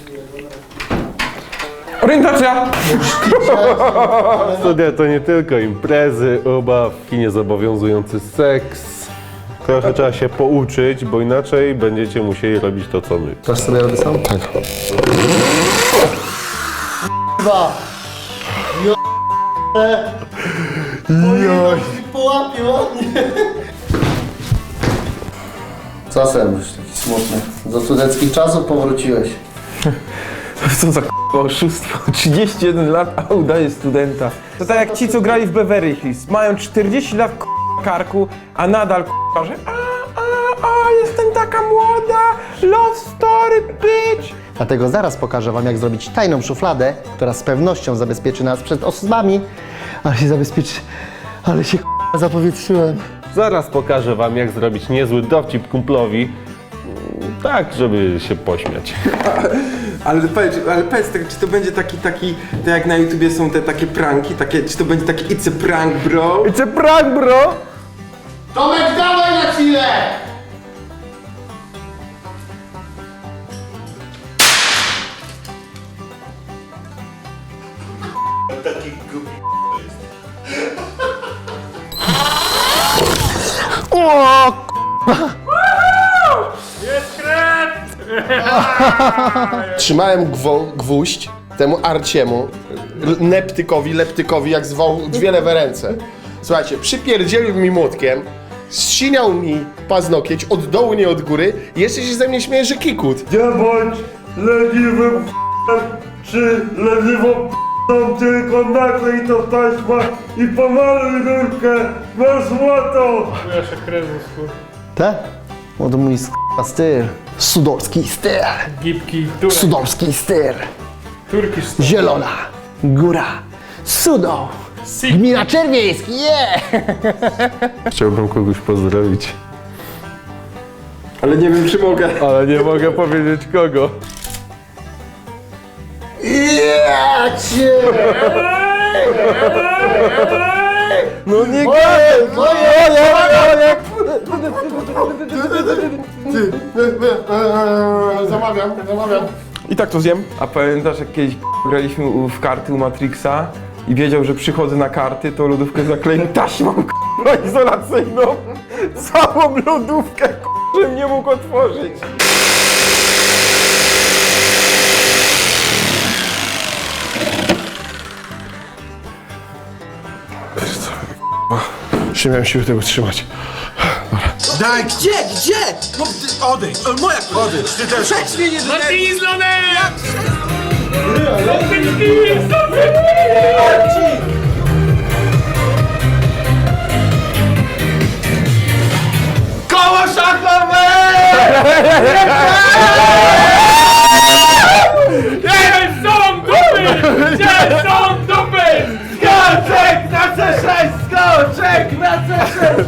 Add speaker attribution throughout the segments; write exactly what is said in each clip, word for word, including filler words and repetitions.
Speaker 1: Orientacja!
Speaker 2: Studia to nie tylko imprezy, ubawki, niezobowiązujący seks. Trochę trzeba się pouczyć, bo inaczej będziecie musieli robić to, co my.
Speaker 3: Dasz sobie radę sam? Tak. Dwa. Joj. Połapie ładnie. Co sen już taki smutny? Do studenckich czasów powróciłeś.
Speaker 1: Co za k***a oszustwo, trzydzieści jeden lat, a udaje studenta. To tak jak ci, co grali w Beverly Hills. Mają czterdzieści lat k***a karku, a nadal k***a, że a, a, a, jestem taka młoda, love story, bitch.
Speaker 3: Dlatego zaraz pokażę wam, jak zrobić tajną szufladę, która z pewnością zabezpieczy nas przed osobami. Ale się zabezpieczy, ale się k***a zapowietrzyłem.
Speaker 2: Zaraz pokażę wam, jak zrobić niezły dowcip kumplowi, tak, żeby się pośmiać.
Speaker 1: Ale powiedz, ale powiedz tak, czy to będzie taki, taki, tak jak na YouTubie są te takie pranki, takie, czy to będzie taki it's a prank, bro?
Speaker 2: It's a prank, bro!
Speaker 3: Tomek, dawaj na chwilę!
Speaker 4: Taki głupi jest.
Speaker 3: O!
Speaker 4: Jest krew!
Speaker 5: Trzymałem gwo, gwóźdź temu Arciemu, l- Neptykowi, Leptykowi, jak zwał dwie lewe ręce. Słuchajcie, przypierdzielił mi młotkiem, zsiniał mi paznokieć od dołu, nie od góry i jeszcze się ze mnie śmieje, że kikut.
Speaker 4: Nie bądź leniwym p***em, czy leniwą p***ą, tylko naklej to taśma i pomaluj rurkę na złoto! Ja się krew z
Speaker 3: Te? O, to mój sk***a styl. Sudolski styl.
Speaker 4: Gipki, turek,
Speaker 3: Sudolski styl.
Speaker 4: turkisz styl.
Speaker 3: Zielona. Góra. Sudo. Gmina Czerwieński, yeah!
Speaker 2: Chciałbym kogoś pozdrowić,
Speaker 1: Ale nie wiem, czy mogę.
Speaker 2: ale nie mogę powiedzieć kogo.
Speaker 3: Ja cię!
Speaker 2: No nie
Speaker 3: Moje, moje,
Speaker 5: Zamawiam, zamawiam.
Speaker 1: I tak to zjem. A pamiętasz, jak kiedyś graliśmy u- w karty u Matrixa i wiedział, że przychodzę na karty, to lodówkę zakleił taśmą k***a izolacyjną. Całą lodówkę, k***a, żebym nie mógł otworzyć.
Speaker 5: Już nie miałem siły tego trzymać.
Speaker 6: Daj, gdzie, gdzie? No, ty- odejdź, o, moja odejdź, ty też. Przecież mnie nie denerwuj. Koło szachowe!
Speaker 4: Gdzie są dupy? Gdzie są dupy?
Speaker 6: Skoczek na C sześć, skoczek na C sześć!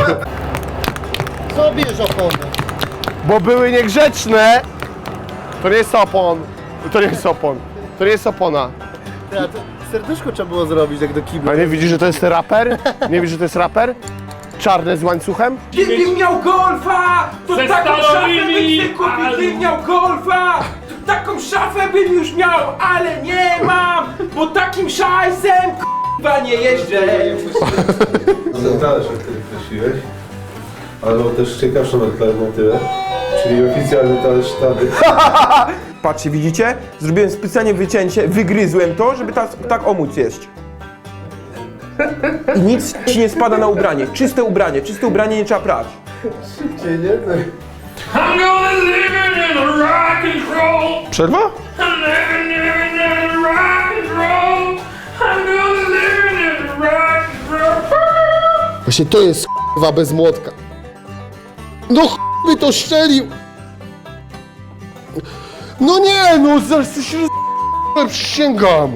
Speaker 3: Co bierz opony?
Speaker 5: Bo były niegrzeczne. To nie jest opon. To nie jest opon. To nie jest opona.
Speaker 3: Ja, to serduszko trzeba było zrobić, jak do kibla.
Speaker 5: A nie widzisz, że to jest raper? Nie widzisz, że to jest raper? Czarne z łańcuchem?
Speaker 1: Gdybym miał golfa, to
Speaker 4: Ze
Speaker 1: taką szafę
Speaker 4: stalowymi,
Speaker 1: bym sobie kupił.
Speaker 4: ale-
Speaker 1: Gdybym miał golfa, to taką szafę bym już miał, ale nie mam, bo takim szajsem k***a nie jeżdżę.
Speaker 2: Ten talerz, o którym prosiłeś, albo też ciekawszą alternatywę, czyli oficjalny talerz sztaby.
Speaker 1: Patrzcie, widzicie? Zrobiłem specjalnie wycięcie, wygryzłem to, żeby tak, tak omóc jeść. I nic ci nie spada na ubranie. Czyste ubranie, czyste ubranie nie trzeba prać.
Speaker 4: I'm gonna live in a rock and roll.
Speaker 5: Przerwa?
Speaker 4: I'm living in a rock and roll. I'm gonna live in a rock and roll.
Speaker 5: Właśnie to jest k***wa bez młotka. No ch***y to szczelił! No nie, no zaraz się roz... przysięgam!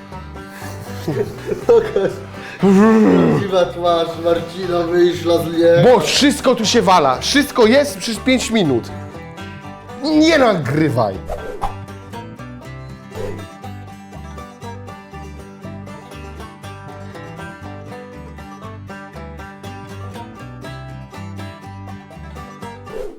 Speaker 3: Prawdziwa twarz Marcina wyszła z niej.
Speaker 5: Bo wszystko tu się wala. Wszystko jest przez pięć minut. Nie nagrywaj.